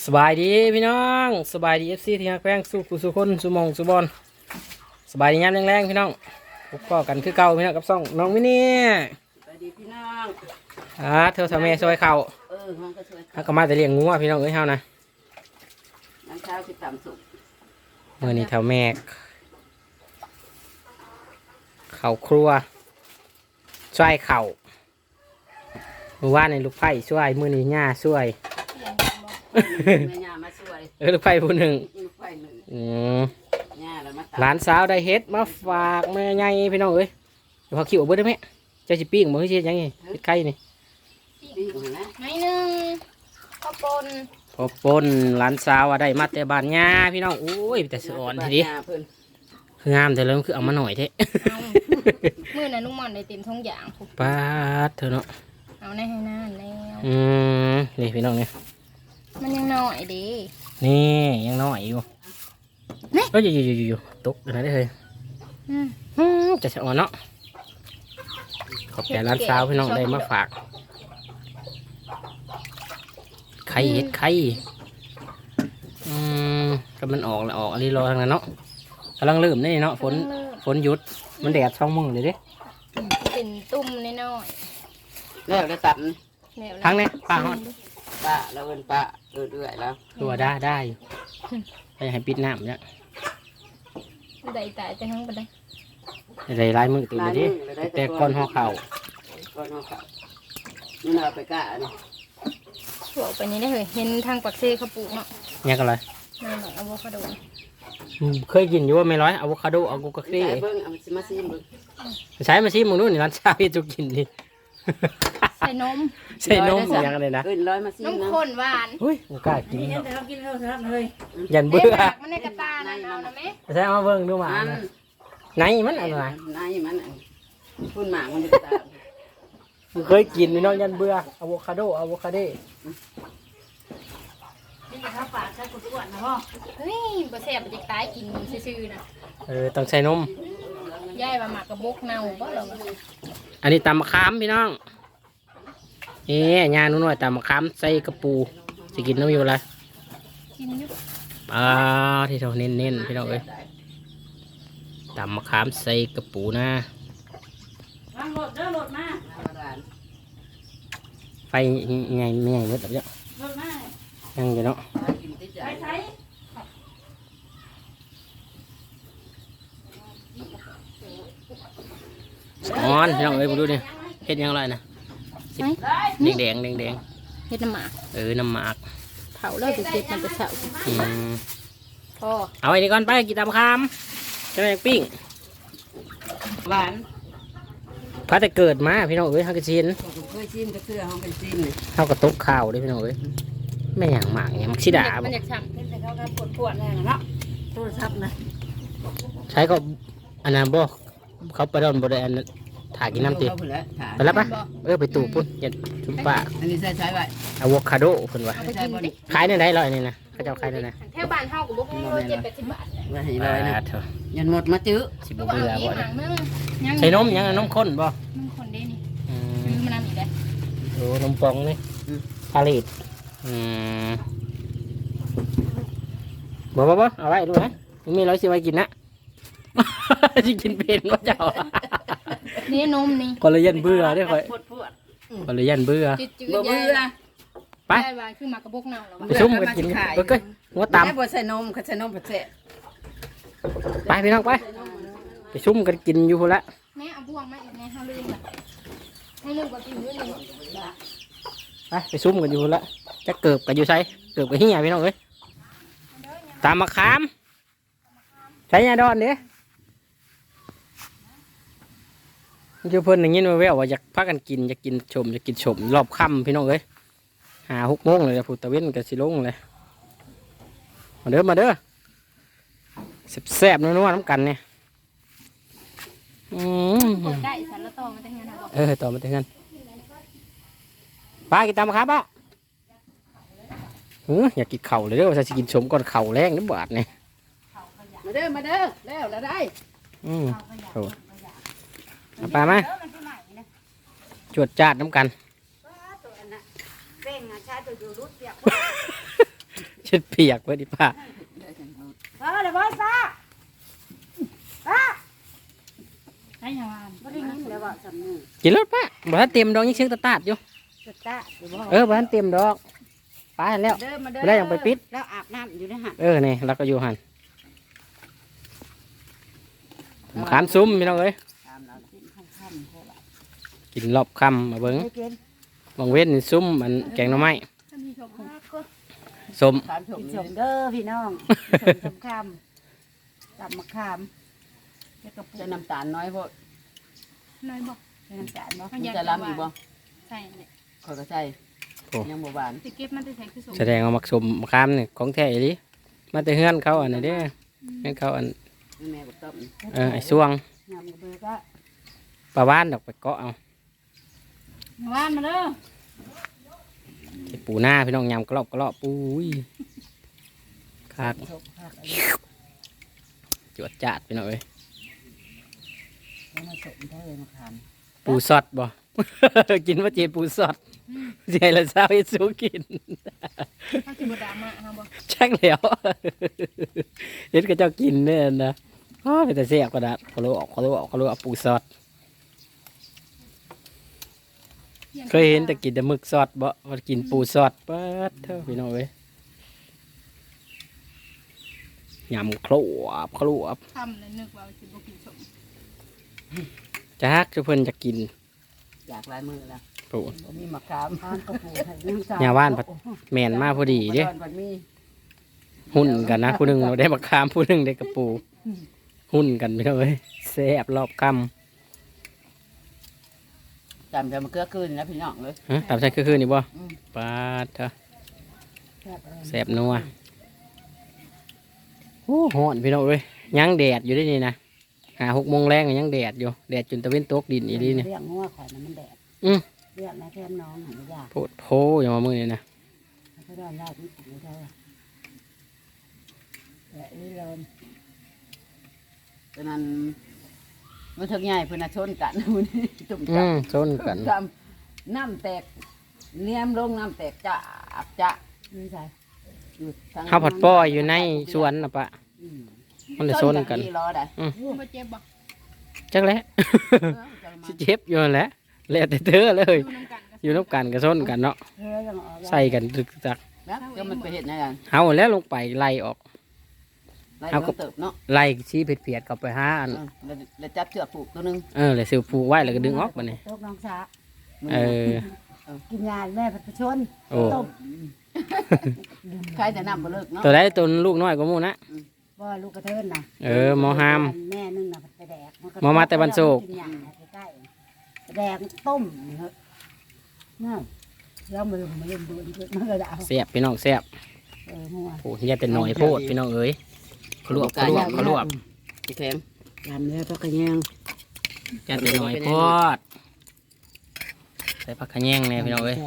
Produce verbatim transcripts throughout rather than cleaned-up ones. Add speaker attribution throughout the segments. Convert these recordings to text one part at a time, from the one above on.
Speaker 1: สบายดีพี่น้องสบายดีเอฟซีที่ฮักแป้งสู้กูสู้คนสู้มองสู้บอลสบายดียามแรงๆพี่น้องพบก็กันคือเก่าพี่น้องกับซ่องน้องมินี่
Speaker 2: สวัสดีพี่น้อง
Speaker 1: อ่าเธอทำเมซอยเข่า
Speaker 2: เออห้องก็ช่วย
Speaker 1: ฮักก็มาแต่เลี้ยงงูพี่น้องเอ้ยเฮานะ
Speaker 2: น้ำเช้าคือต่ำสุก
Speaker 1: เมื่อนี้เท่าแม่เข่าครัวช่วยเข่าเมื่อวานในลูกไผ่ช่วยมื่อนี้ย่าช่วย
Speaker 2: แม่ย่ามาช่วย
Speaker 1: เออลูกไผ่ผู้หนึ่ง
Speaker 2: ลูกไฟหนึ่ง
Speaker 1: อืม
Speaker 2: ย่าแล้วมา
Speaker 1: หลานสาวได้เฮ็ดมาฝากแม่ใหญ่พี่น้องเอ้ยเดี๋ยวพอคิวเอาเบิดได้ไหมเจ้าสิปิ้งบ่คือสิยังไงเฮ็ดไข่นี่
Speaker 2: ปิ้งนะ
Speaker 3: ไม่หนึ่งข้าวปน
Speaker 1: พอปนหลานสาวว่าได้มาแต่บ้านย่าพี่น้องโอ้ยแต่สะอ่อนทีเดียวคืองามแต่เริ่มคือเอามาหน่อยเท่
Speaker 3: มื่อนั้นลุงหมอนได้เต็มท้องอย่างผูก
Speaker 1: ปาดเถอะเนาะ
Speaker 3: เอาในให้หน้าแล้ว
Speaker 1: อืมนี่พี่น้องเนี่ย
Speaker 3: มันยังน้อยดี
Speaker 1: นี่ยังน้อยอยู่เอ้ยอยู่อยู่อยู่อยู่ตกอยู่ไหนได้เลยจะสะอ่อนเนาะขอบใจหลานสาวพี่น้องได้มาฝากไข่เห็ดไข่อืมก็มันออกแล้วออกอะไรรอทางนั้นเนาะกำลังเริ่มนี่เนาะฝนฝนหยุดมันแดดช่องมึงเลยดิ
Speaker 3: เป็นตุ่มน้อย
Speaker 2: แล้วได้ตัด
Speaker 1: ทั้งนี้ป้าฮอด
Speaker 2: ป้าเราเอินป้าเอินเอื่อยแล้ว
Speaker 1: ตัวได้ได้ไปให้ปิดน้ำเนี่ย
Speaker 3: ได้ตายจะทั้งไปได้
Speaker 1: ได้ลายมือตื่นเลยดิแต่ก้อนห่อเข่า
Speaker 2: ก้อนห่อเข่านี่เราไปกะนี่
Speaker 3: ถั่วไปนี้ได้เลยเห็นทางปักเซ่เขาปลูกเนาะ
Speaker 1: เนี่ยกันเลย
Speaker 3: นั่นแหละอะโวคาโด
Speaker 1: เคยกินอยู่ว่าไม่ร้อยอะโวคาโดอะโวคาโด
Speaker 2: เบิ้งเอามาซีมเบิ้ง
Speaker 1: ใช้มาซีมึงนู่นนี่ร้านชาพี่จุกินดิ
Speaker 3: ใส่นม
Speaker 1: ใส่นมอย่างไรนะ
Speaker 2: เอินร้อยมาซีม
Speaker 3: นมข้นหวาน
Speaker 1: เฮ้ยมันกล้ากิน
Speaker 2: เนาะเรากินข้าวทับเลย
Speaker 1: ยันเบื่อ
Speaker 3: มันในกระตานั่นเอานะแม่
Speaker 1: ใช่มาเบิ้งดูหมาไหนมันอะไร
Speaker 2: ไหนมันพุ่นหมามันจะตา
Speaker 1: เคยกินพี่น้องยันเบื่ออะโวคาโดอะโวคาโด
Speaker 3: นี่ข้าวปลาใส่ขวดๆนะพ่อเฮ้ยบะแซ่บมันจะตายกินซื่อๆนะ
Speaker 1: เออต้องใส่นม
Speaker 3: ย่ายมาหมักกระบกเน่าบ่หรอ
Speaker 1: อันนี้ตำมะขามพี่น้องเอ๊ยยาหนุ่นหน่อยตำมะขามใส่กระปูจะกินน้ำอยู่ละ
Speaker 3: กินอยู่
Speaker 1: อ่าที่เราเน้นๆพี่น้องเอ้ยตำมะขามใส่กระปูนะ
Speaker 2: วางรถเด้อรถมา
Speaker 1: ไฟใหญ่ไม่ใหญ่เบิดแบบเยอะยังอยู่เนาะอ่อนพี่น้องเอ้ยมาดูดิเห็ดยังไรนะแดงแดงแดงแดง
Speaker 3: เห็ดน้ำหมาก
Speaker 1: เออน้ำหมาก
Speaker 3: เผาแล้วจะเก็บมันจะเฉาพอ
Speaker 1: เอาไอ้นี่ก่อนไปกินตามคำจะได้ปิ้ง
Speaker 2: หวาน
Speaker 1: พระแต่เกิดมาพี่น้องเอ้ยเขากระชิน
Speaker 2: เคยชิมกระเทือเขาเป็นชิม
Speaker 1: เขากระตุกข้าวด้วยพี่น้องเอ้ยไม่อย่างหมากเนี่ยมักชิดา
Speaker 3: มันอยากช้ำเป็นแต่เขาการปวดปวดแน่
Speaker 2: เนาะโทรศัพท์นะ
Speaker 1: ใช้ก็อันนั้นบ่เขาไปโดนบริเวณถ่ายกินน้ำตีไปแล้วปะเออไปตู่ปุ่นยันชุบปะ
Speaker 2: อันนี้ใช้ใช้ไว้
Speaker 1: อะโวคาโดคนวะขายในไหนลอยนี่นะเขาจะขายในไหน
Speaker 3: แถวบ้านเฮากับบุกเจ็ดแปดสิบบาท
Speaker 2: ว่าให้ลอยนะยันหมดมาจื้อ
Speaker 1: สิบเบื่อบ่
Speaker 3: เนี่ย
Speaker 1: ใส่นมยังนมข้นบ่
Speaker 3: นมข้นได้นี่ซื้อมานำอีกได้
Speaker 1: โอ้นมปองนี่ผลิตอืมบ่บ่บ่เอาไว้ดูนะมีร้อยสิไว้กินนะจะกินเป็นก็เจ้า
Speaker 3: นี่นมนี่
Speaker 1: คนละยันเบื่อได้ค่อยคนละยันเบื่อ
Speaker 2: เบื่อ
Speaker 1: ไป
Speaker 3: คือหมากกระบอกเน่าแล้ว
Speaker 1: ไปชุ่มกันกินไปเกยหัวตำ
Speaker 2: ไม่ใส่นมเขาใส่นมผัดเสะ
Speaker 1: ไปพี่น้องไปไปชุ่มกันกินอยู่ละ
Speaker 3: แม่เอาบ่วงมาอีกแม่ห้าลืมละให้ลืมก็กินด้วยนี่
Speaker 1: ไปไปชุ่มกันอยู่ละจะเกิบกันอยู่ใช่เกิบกันที่ไหนพี่น้องเอ้ยตามมาขามใช้ยาดอนเด้เจ้าเพิ่นอย่างนี้มาแววว่าอยากพักกันกินอยากกินชมอยากกินชมรอบค่ำพี่น้องเอ้ยหาหกโมงเลยพุทธเว้นกับสิลงเลยมาเด้อมาเด้อแซ่บๆนัวๆน้ำกันเนี่ยอืม
Speaker 3: ได้สันละต่อมาแต่งงาน
Speaker 1: เออต่อมาแต่งงานป้ากินตามมาครับป้าเอออยากกินเข่าเลยเด้อว่าจะกินชมก่อนเข่าแรงนิดบาทเนี่ย
Speaker 2: มาเด้อมาเด้อแล้วแล้วได้
Speaker 1: อืมโอ้ป้ามาจวดจาดน้ำกันเช็ดเปียกไว้ดิป้า
Speaker 2: เออเดี๋ยวบอยป้าป้า
Speaker 3: ให้ยาวาน
Speaker 2: ไม่ได้ยินเดี๋ยวบอกสำนึก
Speaker 1: กินรถป้าบ่ทันเต็มดอกยังเชิงตะตาดอยู่
Speaker 2: จะตาเดี๋ยวบอก
Speaker 1: เออบ่ทันเต็มดอกป้าเห็นแล้ว
Speaker 2: เดินมาเดิน
Speaker 1: ไม่ได้ยังไปปิด
Speaker 2: แล้วอาบน้ำอยู่ในหัน
Speaker 1: เออนี่เราก็อยู่หันมะขามซุ้มพี่น้องเอ้ย
Speaker 2: ตามเรากินค่ำๆพวกเรา
Speaker 1: กินรอบค่ำมาเบิ้ง
Speaker 2: ไม่กิน
Speaker 1: บางเว้นนี่ซุ้มมันแกงหน่อไม้
Speaker 3: ท่านผู้ชมก็
Speaker 1: ส้ม
Speaker 2: ขามกินสมเด้อพี่น้องสมสำคำตับมะขามแล้วก็จะน้ำตาลน้อยพวก
Speaker 3: น้อยบอก
Speaker 2: จะน้ำตาลบ่
Speaker 3: มั
Speaker 2: มัน น
Speaker 3: อยาก
Speaker 2: จะล้ำอีกบ่
Speaker 3: ใส่เนี่ย
Speaker 2: ขอยก็ใส่ยังบ่หวาน
Speaker 3: สิเก็บมันจะใส่คือสม
Speaker 1: แสดงเอามักสมมะขามนี่ของแท้อีหลิมาแต่เฮือนเขาอันนี้เด้อเฮือนเขาอัน
Speaker 2: แม่บอกต้ม
Speaker 1: เออไอ้ช่วง
Speaker 2: ยำกระเบือก็
Speaker 1: ปลาว่านดอกไปเกาะเอา
Speaker 3: ยาวานมาเด้อ
Speaker 1: ไอ้ปูหน้าพี่น้องยำกรอบกรอบปุ้ยคาก
Speaker 2: ชกผักอะไร
Speaker 1: จวดจัดพี่น้องเอ้ย
Speaker 2: แล้วมาสมเท่าเลยมะขาม
Speaker 1: ปูสดบ่ กินว่าเจปูสดเจละเช้าให้สู้กิน
Speaker 3: เขาสิบดามาเขาบอก
Speaker 1: ชักแล้ว เห็นก็เจ้ากินเนี่ยนะอ๋อเป็นแต่เสียบกระดาษเขารู้ออกเขารู้ออกเขารู้เอาปูสดเคยเห็นแต่กินแต่หมึกสดบ่มากินปูสดเปิดเท่าพี่น้องเอ้ยยำครบครบ
Speaker 3: ทำแล้วนึกว่าสิบกินสม
Speaker 1: จักจะเพิ่นจะกิน
Speaker 2: อยากลายมือละ
Speaker 1: ปู
Speaker 2: บ่มีมะขามอ่านกระปูให้น้ำตาล
Speaker 1: อย่าว่านผัด แม่นมาพอดีเด้
Speaker 2: ตอนวันมี
Speaker 1: หุ่นกันนะผู้หนึ่งเราได้มะขามผู้หนึ่งได้กระปู หุ่นกันพี่น้องเอ้ยแซ่บรอบค
Speaker 2: จำจะมาเกลือคืนนะพี่น้องเลย
Speaker 1: ำฮะตามใช่คือคืนนี่บ่
Speaker 2: อืม
Speaker 1: ปาดเถอะแซ่บนัวโอ้หอนพี่น้องเอ้ยยังแดดอยู่ได้นี่นะหาหกโมงแรงก็ยังแดดอยู่แดดจนตะเวนตกดินอีนี่เนี่ย
Speaker 2: เรียกงัวข่อยนะมันแดด
Speaker 1: อืม
Speaker 2: เรียกนะแค่น้องหันไม่ยาก
Speaker 1: โพดโพอย่างมามือนี่นะ
Speaker 2: เขาได้ยากนี่ไม่ได้แต่นี่เลยตอนนั้นมันถึงใหญ่เพื่อนน่ะชนกัน มื้อนี้จุ่ม
Speaker 1: อื
Speaker 2: จับ
Speaker 1: มชนกัน
Speaker 2: จำน้ำแตกเนียมลงน้ำแตกจะจะนี่ใช่อยู่ทง
Speaker 1: ข้าวผัดป้อยอยู่ในสวนนะปะ
Speaker 2: อืม
Speaker 1: มันเลยชนกัน
Speaker 2: ที่รอได้
Speaker 3: มาเจ็บบอก
Speaker 1: จักแหล้ว
Speaker 2: เออจะมา
Speaker 1: สิเจ็บอยู่นั่นแหละแล้วแต่เธอเลย
Speaker 3: ดูน้ำกัน
Speaker 1: อยู่น้ำกันก็ชนกันเนาะ
Speaker 2: เฮ้ยยังออก
Speaker 1: ใส่กันตึกจัก
Speaker 2: แล้วก็มันไปเห็ดในกัน
Speaker 1: เอาแล้วลงไปไล่ออก
Speaker 2: ไล่
Speaker 1: เอาก็
Speaker 2: เติบเนาะ
Speaker 1: ไล่ชี้เพียดๆกลับไปหาอัน
Speaker 2: เออแล้วแล้วจับเชือกผูกตัวหนึง
Speaker 1: เออเลยสิวผูกไว้แล้วก็ดึงออกมาเนี่ย
Speaker 2: ตกน้องสา
Speaker 1: เออ
Speaker 2: กินยาแม่ผัดผชน
Speaker 1: โอ้
Speaker 2: ต้มใครจะนำมาเลิกเนาะ
Speaker 1: ตัวได้ตัวลูกน้อยกว่าหมูนะ
Speaker 2: ว่าลูกกระเทินนะ
Speaker 1: เออหมอหาม
Speaker 2: แม่นึ่งนะไปแดกนก็
Speaker 1: หมอมาแต่บ้านโศก
Speaker 2: กินยาใกล้ๆไปแดกต้มเถอะน่าแล้วมือมาเล่นดูนมันก็ด่า
Speaker 1: เสียบพี่น้องเสียบ
Speaker 2: เออหัว
Speaker 1: โอ้ยอย่าแต่หน่อยโพดพี่น้องเอ้ยขลวบขลวบขลวบ
Speaker 2: พี่แข็งยำเลยพักกระแยง
Speaker 1: อย่าแต่หน่อยโพดใส่ผักขะแยงเนี่ยพี่น้องเอ้ย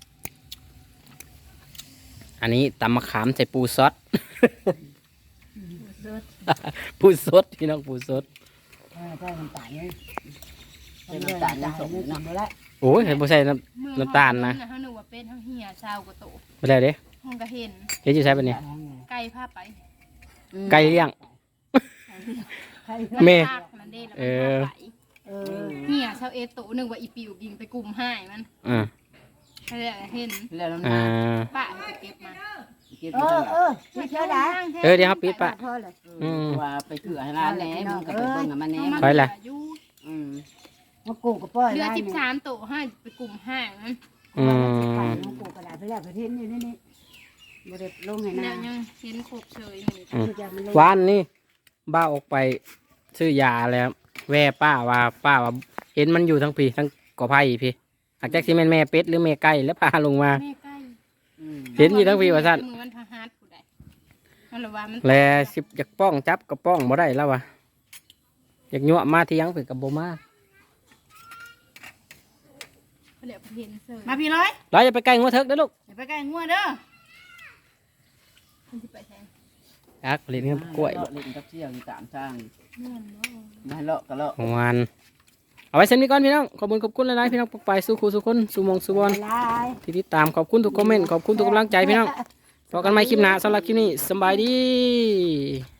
Speaker 1: อันนี้ตำมะขามใส่ปูซอส ปูสดพี่น้องปูสด
Speaker 2: เออใส่น้ำตาลนี่ใส่น้ำตาลยังสมเนาะแล้ว
Speaker 1: โอ้ยเห็นปูใส่น้ำน้ำตาลนะ
Speaker 3: เขาหนูว่าเป็นทั้งเหี่ยชาวกระโต
Speaker 1: ไม่ได้เด้
Speaker 3: ห้องก็เห็น
Speaker 1: เดี๋ยวจะใช้แบบนี้
Speaker 3: ไก่ผ้าไป
Speaker 1: ไก่เลี้ยง
Speaker 2: ใคร
Speaker 1: แม่
Speaker 3: ภาคมันได้แล้ว
Speaker 1: เอ
Speaker 3: มัน
Speaker 1: อ
Speaker 3: ผ้าไป
Speaker 2: เออ
Speaker 3: เหี่ยชาวเอโตหนึ่งว่าอีปิวกินไปกลุ่มห้ายมัน
Speaker 1: อ่า
Speaker 3: ให้ได้เห็น
Speaker 2: แล้วน้ำ
Speaker 1: อ่า
Speaker 2: ตาล
Speaker 3: ป้าให้ไปเก็บมา
Speaker 2: เก็บ
Speaker 3: เอ
Speaker 2: ไว้
Speaker 3: อ
Speaker 2: เอ
Speaker 3: เอ
Speaker 2: อ
Speaker 3: อเชื่อได้
Speaker 1: เออเดี๋ยวเขาปิดปะ
Speaker 2: พอเลย
Speaker 1: อืม
Speaker 2: ว่าไปเถื่อให้ร้านแหน่มึงก็ไปเบิ่งกับมันแหน่
Speaker 1: ไปล่ะ
Speaker 2: อืมมากูกับป้อย
Speaker 3: เรือ
Speaker 2: ได้
Speaker 3: สิบ
Speaker 2: เนี่ย
Speaker 3: สามโตห้าไปกลุ่มห้ายมัน
Speaker 1: อืม
Speaker 2: มากูกระดาษไปแล้วไปเทนอยู่นี่นี่บริบลงให้
Speaker 3: แล้
Speaker 2: นาว
Speaker 3: ยังเห็นโคกเฉยอยู่
Speaker 1: อืม
Speaker 2: จะมันลง
Speaker 1: วานนี่บ้าออกไปซื้อยาแล้ว แว่ป้าว่าป้าว่าเห็นมันอยู่ทั้งพี่ทั้งกอไผ่พี่อาจจะที่แม่นแม่เป็ดหรือแม่ไก่แล้วพาลงมา
Speaker 3: แม่ใกล้
Speaker 2: อืม
Speaker 1: เห็นอยู่ทั้งพี่ว่าสั้น
Speaker 3: มือมันพาฮาร์ดผู้ใดมันละว่ามัน
Speaker 1: แลสิบอยากป้องจับก็ป้องบ่ได้แล้ววะอยากยั่วมาที่ยังเปิดกับโบมา
Speaker 3: เดี๋ยวเห็นเสือ
Speaker 2: มาพี่ร้อย
Speaker 1: เราจะไปใกล้งัวเถิกเด้อลูก
Speaker 2: อย่าไปใกล้งัวเด้อ
Speaker 3: มันจะไปแทน
Speaker 1: อักเล่นเงินกล้วย
Speaker 2: เลาะเล่นกับเชี่ยวอยู่ตามทาง
Speaker 3: เงื่อนบ่
Speaker 2: มาเลาะก็เลาะ
Speaker 1: ของวันเอาไว้เช่นนี้ก่อนพี่น้องขอบคุณขอบคุณหลายๆพี่น้องปกไปสู่ครูสู่คนสู่หมองสู่บอล
Speaker 2: ลาย
Speaker 1: ที่ติดตามขอบคุณทุกคอมเมนต์ขอบคุณทุกกำลังใจพี่น้องพบกันใหม่คลิปหน้าสำหรับคลิปนี้สำบายดี